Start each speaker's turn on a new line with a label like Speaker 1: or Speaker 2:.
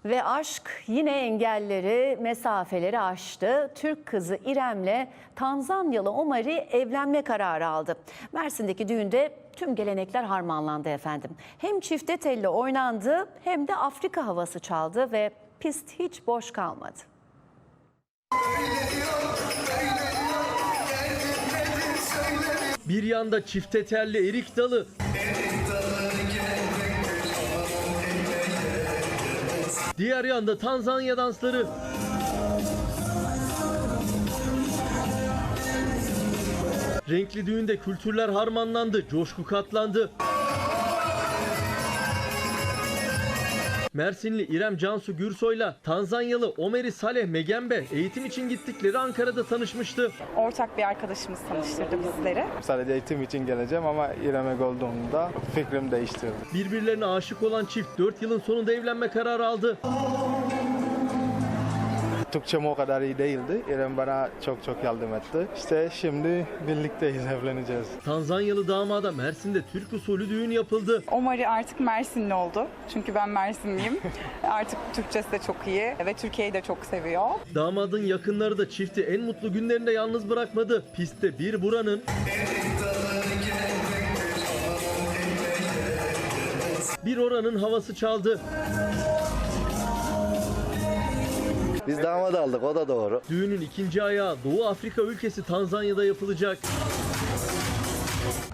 Speaker 1: Ve aşk yine engelleri, mesafeleri aştı. Türk kızı İrem'le Tanzanyalı Omar'ı evlenme kararı aldı. Mersin'deki düğünde tüm gelenekler harmanlandı efendim. Hem çifte telli oynandı hem de Afrika havası çaldı ve pist hiç boş kalmadı.
Speaker 2: Bir yanda çifte telli erik dalı, diğer yanda Tanzanya dansları. Renkli düğünde kültürler harmanlandı, coşku katlandı. Mersinli İrem Cansu Gürsoy'la Tanzanyalı Omeri Saleh Megembe eğitim için gittikleri Ankara'da tanışmıştı.
Speaker 3: Ortak bir arkadaşımız tanıştırdı bizleri.
Speaker 4: Sadece eğitim için geleceğim ama İrem'e olduğumda fikrim değişti.
Speaker 2: Birbirlerine aşık olan çift 4 yılın sonunda evlenme kararı aldı.
Speaker 4: Türkçem o kadar iyi değildi. İrem bana çok yardım etti. İşte şimdi birlikteyiz, evleneceğiz.
Speaker 2: Tanzanyalı damada Mersin'de Türk usulü düğün yapıldı.
Speaker 3: Omar'ı artık Mersinli oldu. Çünkü ben Mersinliyim. Artık Türkçesi de çok iyi ve Türkiye'yi de çok seviyor.
Speaker 2: Damadın yakınları da çifti en mutlu günlerinde yalnız bırakmadı. Pistte bir buranın, bir oranın havası çaldı.
Speaker 5: Biz damat aldık, o da doğru.
Speaker 2: Düğünün ikinci ayağı Doğu Afrika ülkesi Tanzanya'da yapılacak.